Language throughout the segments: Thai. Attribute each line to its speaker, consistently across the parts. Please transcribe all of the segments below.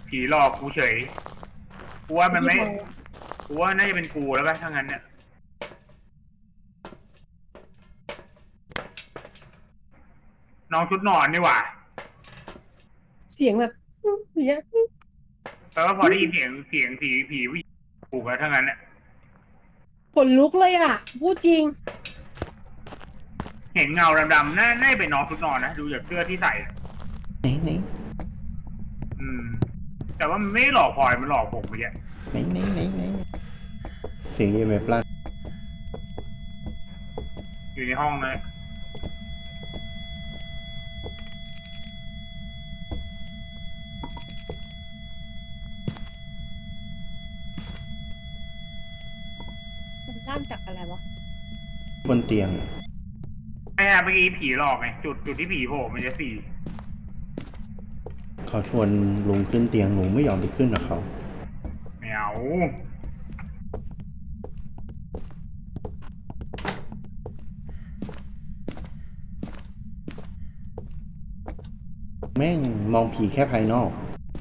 Speaker 1: ผีหลอกกูเฉยกูว่ามันไม่กูว่าน่าจะเป็นกูแล้วป่ะถ้างั้นเนี่ยน้องชุดนอนนี่หว่า
Speaker 2: เสียงแบบอย่างเงี้ย
Speaker 1: แปลว่าพอได้ยินเสียงผีผู้หญิงกูแล้วถ้างั้นเนี่ย
Speaker 2: ขนลุกเลยอ่ะพูดจริง
Speaker 1: เห็นเงาดำๆน่าเป็นน้องชุดนอนนะดูจากเสื้อที่ใส่
Speaker 3: ไหน
Speaker 1: แต่ว่ามันไม่หลอกพลอยมันหลอกผมเมื่อกี้
Speaker 3: ไหนเสียงเอเมฟลั่น
Speaker 1: อยู่ในห้องเลย
Speaker 2: มันลั่นจากอะไรวะ
Speaker 3: บนเตียง
Speaker 1: ไม่ฮะเมื่อกี้ผีหลอกไงจุดที่ผีโผล่มันจะสี่
Speaker 3: เขาชวนลุงขึ้นเตียงลุงไม่ยอมไปขึ้นกับเขา
Speaker 1: ไม่เอา
Speaker 3: แม่งมองผีแค่ภายนอก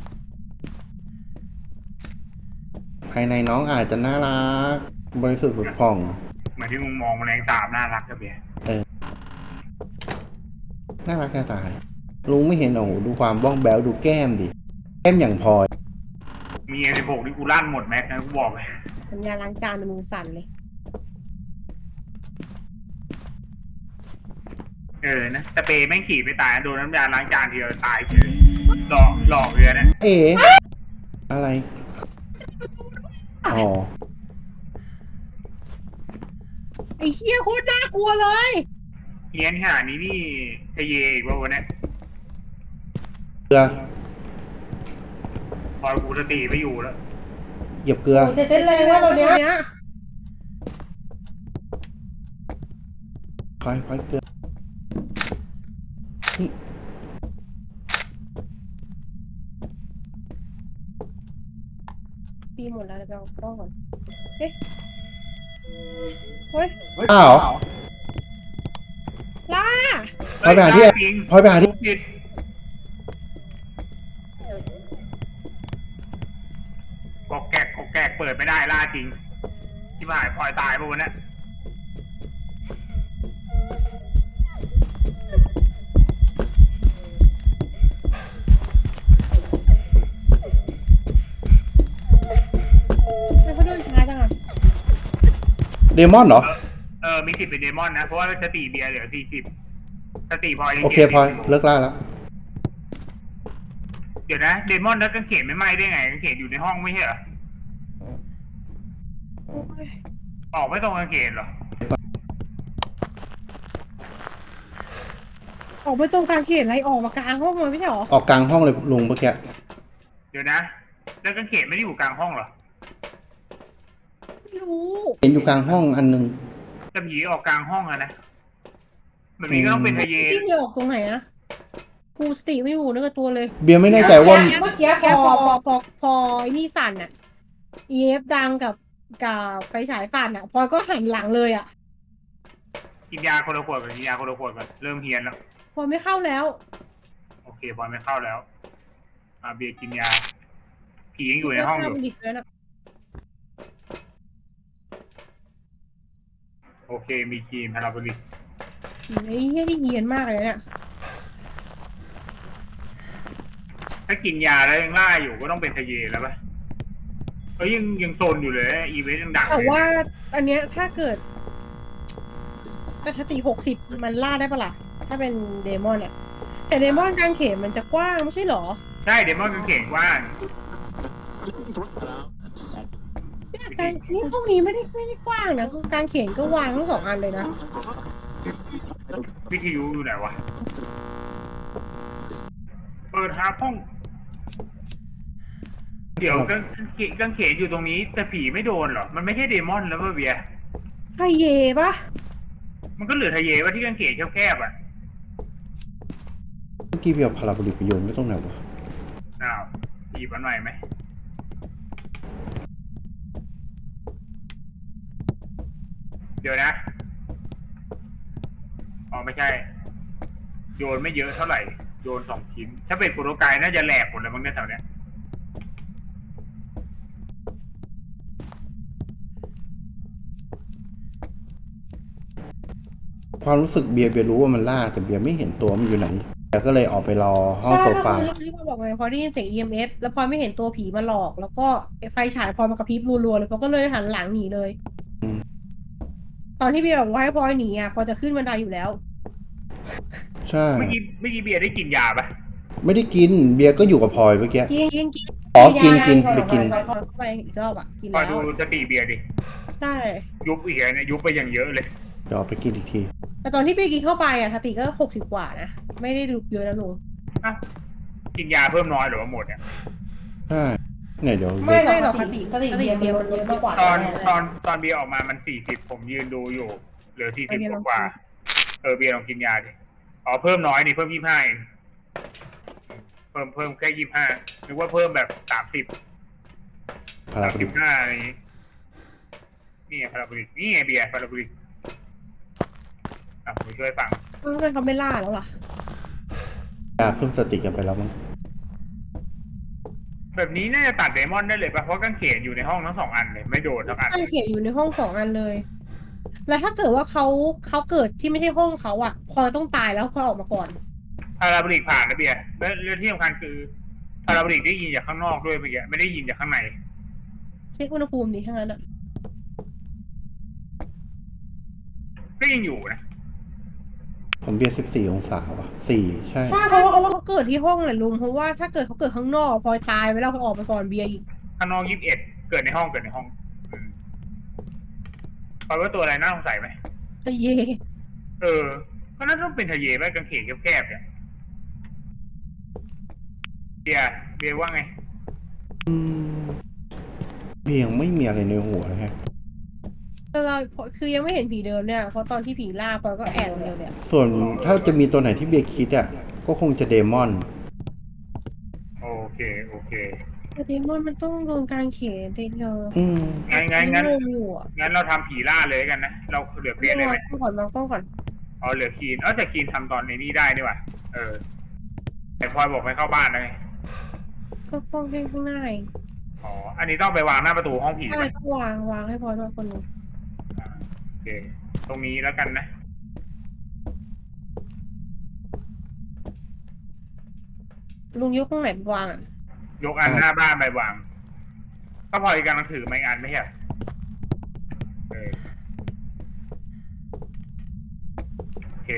Speaker 3: ภายในน้องอาจจะน่ารักบริสุทธิ์ผุดผ่อง
Speaker 1: เหมือนที่มึงมองแมลงสาบน่ารักกับเบียร์
Speaker 3: น่ารักแค่ตายลุงไม่เห็นโอ้โหดูความบ้องแบ้วดูแก้มดิแก้มอย่างพลอย
Speaker 1: มี16ที่กูลั่นหมดแม็กนะกูบอกเลย
Speaker 2: ทำงานล้างจานในมือสั่นเลย
Speaker 1: นะสเปรย์แม่งฉีดไม่ตายโดนน้ำยาล้างจานทีเดียวตายเฉยหลอกเลยนะ
Speaker 3: อะไรอ๋อ
Speaker 2: ไอ้เหี้ยโคตรน่ากลัวเลย
Speaker 1: เฮียนขนาดนี้นี่ทะเยอีกว่าวันนี้
Speaker 3: เกลือ
Speaker 1: พอกูสติไม่อยู่แล้ว
Speaker 3: เหยียบเกลือ
Speaker 2: เต้นเลยนะตัวเนี้ย
Speaker 3: พลอยเกลือ
Speaker 2: ปีหมดแล้วเดี๋ยวไปเอากล้องก่อนเฮ้ย
Speaker 3: อ้าว
Speaker 2: ล่า
Speaker 3: พลอยไปหาที่
Speaker 1: กอกแกกเปิดไม่ได้ล่าจริงที่หายพลอยตายป่ะวันนี้
Speaker 2: เขาโดนช้าจังอะ
Speaker 3: เดมอนเหรอ
Speaker 1: มี10เป็นเดมอนนะเพราะว่าสติเบียร์เหลือ40สติพลอยยัง
Speaker 3: โอเคพลอยเลิกล่าแล้ว
Speaker 1: เดี๋ยวนะเดมอนแล้วกางเขนไม่ไหม้ได้ไงกางเขนอยู่ในห้องไม่ใช่เหรอออกไม่ตรงกางเขนเหรอ
Speaker 2: ออกไปตรงกลางเขตอะไรออกมากลางห้องเลยไม่ใช่หรอ
Speaker 3: ออกกลางห้องเลยลุงเมื่อกี้
Speaker 1: เดี๋ยวนะแล้วกางเขนไม่ได้อยู่กลางห้องเหรอ
Speaker 2: ไม่รู้
Speaker 3: เห็นอยู่กลางห้องอันนึง
Speaker 1: จะผีออกกลางห้องอะนะแบบนี้ก็ต้องเป็นทะเย
Speaker 2: ที่เดียวออกตรงไหนนะกูสติไม่อยู่นึกกับตัวเลย
Speaker 3: เบียร์ไม่แน่ใจว่า
Speaker 2: เมื่อกี้พอไอ้นี่สั่นอ่ะEF ดังกับไฟฉายสั่นอ่ะพอก็หันหลังเลยอ่ะ
Speaker 1: กินยาคนละขวดก่อนกินยาคนละขวดก่อนเริ่มเฮียนแล้ว
Speaker 2: พอไม่เข้าแล้ว
Speaker 1: โอเคพอไม่เข้าแล้วเบียร์กินยาผียังอยู่ในห้องอยู่โอเคมีครีมพาราโบลิก
Speaker 2: ไอ้เหี้ยนี่เฮียนมากเลยเนี่ย
Speaker 1: ถ้ากินยาแล้วยังล่าอยู่ก็ต้องเป็นทะเยแล้วป่ะยังโซนอยู่เลยอีเวนต์ยังดัง
Speaker 2: แต่ว่าอันเนี้ยถ้าเกิดแต่สติ60มันล่าได้ปะล่ะถ้าเป็นเดมอนอ่ะแต่เดมอนกางเขนมันจะกว้างไม่ใช่หรอ
Speaker 1: ใช่เดมอนกางเขนกว้าง
Speaker 2: นี่ห้องนี้ไม่ได้กว้างนะกางเขนก็วางทั้ง2 อันเลยนะ
Speaker 1: วิทยุอยู่ไหนวะเปิดหาห้องเดี๋ยวกางเขนอยู่ตรงนี้แต่ผีไม่โดนเหรอมันไม่ใช่เดมอนแล้วป่ะเบียร์
Speaker 2: ทะเยปะ
Speaker 1: มันก็เหลือทะเยว่าที่กางเขนแคบๆอ่ะ
Speaker 3: เมื่อกี้เบียร์พาราโบลิกไปโยนไม่ต้องไหนวะ
Speaker 1: หยิบอันใหม่ไหมเดี๋ยวนะไม่ใช่โยนไม่เยอะเท่าไหร่โยน2 ชิ้นถ้าเป็นโปรโตไกด์น่าจะแหลกหมดเลยมั้งเนี่ยแถวเนี้ย
Speaker 3: ความรู้สึกเบียร์รู้ว่ามันล่าแต่เบียร์ไม่เห็นตัวมันอยู่ไหนเบียร์ก็เลยออกไปรอห้องโซฟา
Speaker 2: ใช่ก็คือที่พลอยบอกไงพอได้ยินเสียง EMS แล้วพลอยไม่เห็นตัวผีมาหลอก แล้วก็ไฟฉายพลอยมากระพริบรัวๆเลยพลอยก็เลยหันหลังหนีเลย
Speaker 3: อืม
Speaker 2: ตอนที่เบียร์บอกว่าให้พลอยหนีอ่ะพลอยจะขึ้นบันไดอยู่แล้ว
Speaker 3: ใช่
Speaker 1: เมื่อกี้เบียร์ได้กินยาปะ
Speaker 3: ไม่ได้กินเบียร์ก็อยู่กับพลอยเมื่อกี้
Speaker 2: กิน
Speaker 3: อ๋อกินไปกิน
Speaker 2: พลอยเข้าไปอีกรอบอ่ะกิน
Speaker 1: คอย
Speaker 2: แล้
Speaker 1: ดู
Speaker 2: ว
Speaker 1: สติเบียร์ดิ
Speaker 2: ใช่
Speaker 1: ยุบอีกแล้วเนี่ยยุบไปอย่างเยอะเลย
Speaker 3: เดี๋ยวเอาไปกินอีกที
Speaker 2: แต่ตอนที่เบียร์กินเข้าไปอ่ะสติก็60 กว่านะไม่ได้ดูเยอะนะลุง
Speaker 1: อ่ะกินยาเพิ่มน้อยหรือว่าหมดเนี่ย
Speaker 3: ใช่เนี่ยเดี๋ยว
Speaker 2: ไม่หรอกสติเบียร์มันเยอะมากกว่า
Speaker 1: ตอนเบียร์ออกมามัน40ผมยืนดูอยู่เหลือ40กว่าเบียร์ลองกินยาดิอ๋อเพิ่มน้อยนี่เพิ่ม25เองเพิ่มแค่25นึกว่าเพิ่มแบบ30
Speaker 3: พาราบริก
Speaker 1: 35อะไรอย่างงี้นี่ไงพาราโบลิกนี่ไงเบียร์พาราโบลิกผมช่วยฟัง
Speaker 2: ทำไมเขาไม่ล่าแล้วล่ะ
Speaker 3: ยาเพิ่มสติกันไปแล้วมั้ง
Speaker 1: แบบนี้น่าจะตัดเดมอนได้เลยป่ะเพราะกางเขนอยู่ในห้องทั้ง2 อันเลยไม่โดนทั้งอัน
Speaker 2: ตั้งเขียนอยู่ในห้อง2 อันเลย แล้วถ้าเกิดว่าเขาเกิดที่ไม่ใช่ห้องเขาอ่ะพลอยต้องตายแล้วพลอยออกมาก่อน
Speaker 1: พาราโบลิกผ่านนะเบียร์และที่สำคัญคือพาราโบลิกได้ยินจากข้างนอกด้วยเมื่อกี้ไม่ได้ยินจากข้างใน
Speaker 2: เช็คอุณหภูมิดีทั้งนั้นอ่ะ
Speaker 1: ก็ยังอยู่นะ
Speaker 3: ผมเบียร์14 องศาว่ะ4ใช่
Speaker 2: ใช่เพราะว่าเขาเกิดที่ห้องแหละลุงเพราะว่าถ้าเกิดเขาเกิดข้างนอกพลอยตายไปแล้วพลอยออกไปก่อนเบียร์อีก
Speaker 1: ข้างนอก21เกิดในห้องเพราะว่าตัวอะไรน่าสงสัยไหม
Speaker 2: เย่
Speaker 1: ก็น่าต้องเป็นทะเยไหมกางเขนแคบๆเนี่ยเบียร์ว่าไง
Speaker 3: เบียร์ยังไม่มีอะไรในหัวเลยฮะ
Speaker 2: แต่เราคือยังไม่เห็นผีเดิมเนี่ยเพราะตอนที่ผีล่าพลอยก็แอบเดียวเนี่ย
Speaker 3: ส่วนถ้าจะมีตัวไหนที่เบียร์คิดอ่ะก็คงจะเดมอน
Speaker 1: โอเค
Speaker 2: แต่เดมอนมันต้องโดนกางเขนเธอ
Speaker 3: อืม
Speaker 1: งั้น
Speaker 2: อยู่อ่ะ
Speaker 1: เราทำผีล่าเลยกันนะเราเหลือเบียร์เลยไหม
Speaker 2: ต้องก่อนต้องก่อน
Speaker 1: อ๋อเหลือคีนแต่คีนทำตอนในนี้ได้นี่หว่าแต่พลอยบอกให้เข้าบ้านนะไง
Speaker 2: ก็ต้องให้ข้างหน้าเอง
Speaker 1: อ๋ออันนี้ต้องไปวางหน้าประตูห้องผี
Speaker 2: ใช่
Speaker 1: ไหม
Speaker 2: ต้องวางให้พลอยด้วยคนหนึง
Speaker 1: โอเคตรงนี้แล้วกันนะ
Speaker 2: ลุงยกตรงไหนไปวางอ่ะ
Speaker 1: ยกอันหน้าบ้านไปวางก็พลอยกำลังถือไม้อันไม่ใช่เหรอโอเค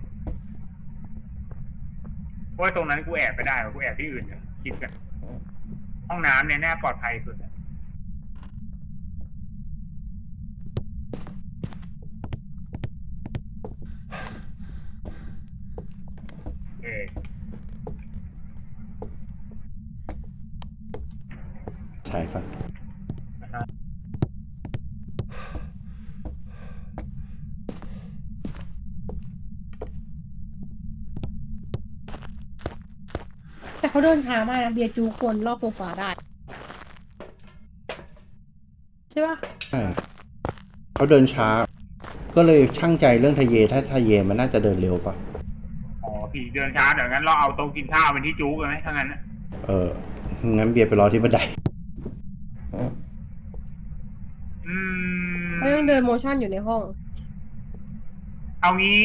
Speaker 1: เพราะว่าตรงนั้นกูแอบไปได้กูแอบที่อื่นเนี่ยคิดกันห้องน้ำเนี่ยแน่ปลอดภัยสุดโอเค
Speaker 3: ใช่ครับ
Speaker 2: แต่เขาเดินช้ามากนะเบียร์จูคนรอบโซฟาได้ใช่ปะ
Speaker 3: ใช่เขาเดินช้า ก็เลยช่างใจเรื่องทะเยถ้าทะเยมันน่าจะเดินเร็วปะ
Speaker 1: อ๋อผีเดินช้าเดี๋ยวงั้นเราเอาโต๊ะกินข้าวเป็นที่จู๊กันไหมถ้างั้นนะ
Speaker 3: งั้นเบียร์ไปรอที่บันได
Speaker 2: เขายังเดินโมชั่นอยู่ในห้อง
Speaker 1: เอางี้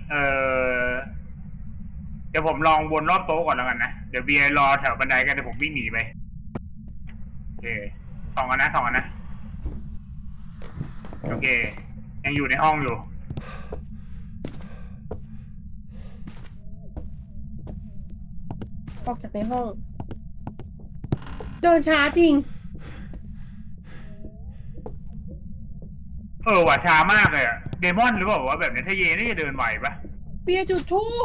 Speaker 1: เดี๋ยวผมลองวนรอบโต๊ะก่อนแล้วกันนะเดี๋ยวเบียร์รอแถวบันไดกันเดี๋ยวผมวิ่งหนีไปโอเค2 อันนะโอเคยังอยู่ในห้องอยู่
Speaker 2: ออกจากในห้อง เดินช้าจริง
Speaker 1: ว่ะช้ามากเลยอะเดมอนหรือเปล่าว่าแบบนี้ถ้าเยน่าจะเดินไหวปะ
Speaker 2: เบียร์จุดทูบ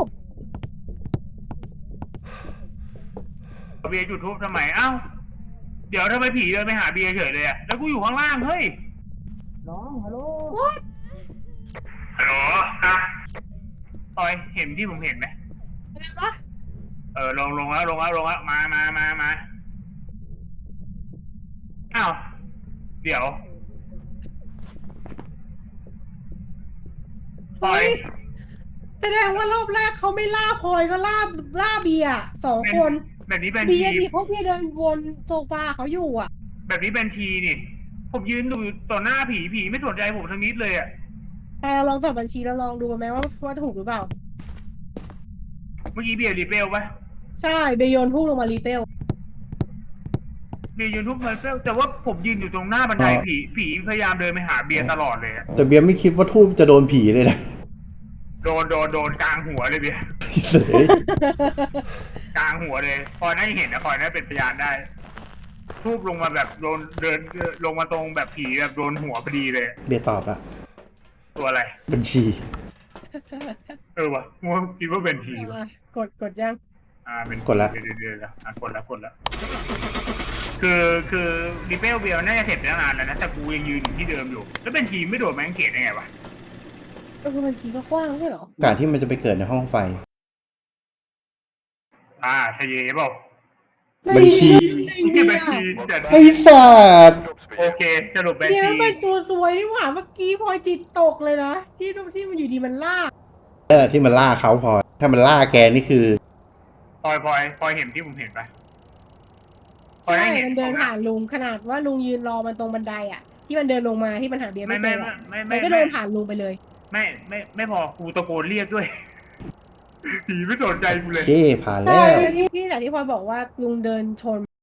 Speaker 1: เบียร์จุดทูบทำไมเอ้าเดี๋ยวทำไมผีเดินไปหาเบียร์เฉยเลยอะแล้วกูอยู่ข้างล่างเฮ้ย
Speaker 2: น้องฮัลโหล
Speaker 1: ฮัลโหลครับปอยเห็นที่ผมเห็นไหม
Speaker 2: อะไรวะ
Speaker 1: ลงแล้วมาอ้าวเดี๋ยวปอย
Speaker 2: แสดงว่ารอบแรกเขาไม่ล่าพลอยก็ล่าเบียร์2 คน
Speaker 1: แบบนี้เป็น
Speaker 2: เบี
Speaker 1: ที
Speaker 2: ยร์ดิเพราะเบียร์เดินวนโซฟาเขาอยู่อ่ะ
Speaker 1: แบบนี้เป็นทีนี่ผมยืนดูต่อหน้าผีไม่สนใจผมทั้งนิดเลยอ่ะ
Speaker 2: เราลองสอบบัญชีเราลองดูไหมว่าถูกหรือเปล่า
Speaker 1: เมื่อกี้เบียร์รีเปลปะ
Speaker 2: ใช่เบยโยนพุ่งลงมารีเปล
Speaker 1: เบียร์ยืนทุกมันเปลแต่ว่าผมยืนอยู่ตรงหน้าบันไดผีพยายามเดินไปหาเบียร์ตลอดเลยอะ
Speaker 3: แต่เบียร์ไม่คิดว่าทูบจะโดนผีเลยนะ
Speaker 1: โดนกลางหัวเลยเบียร์
Speaker 3: เสย
Speaker 1: กลางหัวเลยคอยน่าจะเห็นนะคอยน่าเป็นพยานได้ทูบลงมาแบบโดนเดินลงมาตรงแบบผีแบบโดนหัวพอดีเลย
Speaker 3: เบียร์ตอบละ
Speaker 1: ตัวอะไร
Speaker 3: บัญชี
Speaker 1: วะมัวคิดว่าเป็นผีวะ
Speaker 2: กดยัง
Speaker 1: เป็น
Speaker 3: กดละ
Speaker 1: เดี๋ยวกดละคือรีเปลเบียร์น่าจะเสร็จไปตั้งนานแล้วนะแต่กูยังยืนอยู่ที่เดิมอยู่แล้วเป็นทีมไม่โดดแมงเกตได้ไงวะ
Speaker 2: ก็คือบัญชีก็กว้างใช่เหรอ
Speaker 3: โอกาสที่มันจะไปเกิดในห้องไฟ
Speaker 1: ชเยเปล่า
Speaker 3: บัญชี
Speaker 1: ที่บัญชีจะ
Speaker 3: ไอ้สัตว์
Speaker 1: โอเคสรุปบัญ
Speaker 2: เนี่ย
Speaker 1: ชี
Speaker 2: มันเป็นตัวซวยนี่หว่าเมื่อกี้พลอยจิตตกเลยนะที่มันอยู่ดีมันลาก
Speaker 3: ที่มันล่าเขาพอ ถ้ามันล่าแกนี่คือ
Speaker 1: พลอยเห็นที่ผมเห็นปะพลอย
Speaker 2: ใช่
Speaker 1: ได้เห็น
Speaker 2: มันเดินผ่านลุงขนาดว่าลุงยืนรอมันตรงบันไดอ่ะ ที่มันเดินลงมาที่มันหาเบียร์ไม่เจออะมันก็เดินผ่านลุงไปเลย
Speaker 1: ไม่พอกูตะโกนเรียกด้วยผีไม่สนใจกูเลย
Speaker 3: เคผ่านแล้
Speaker 2: ใช่
Speaker 3: ว
Speaker 2: ที่แต่ที่พลอยบอกว่าลุงเดินชน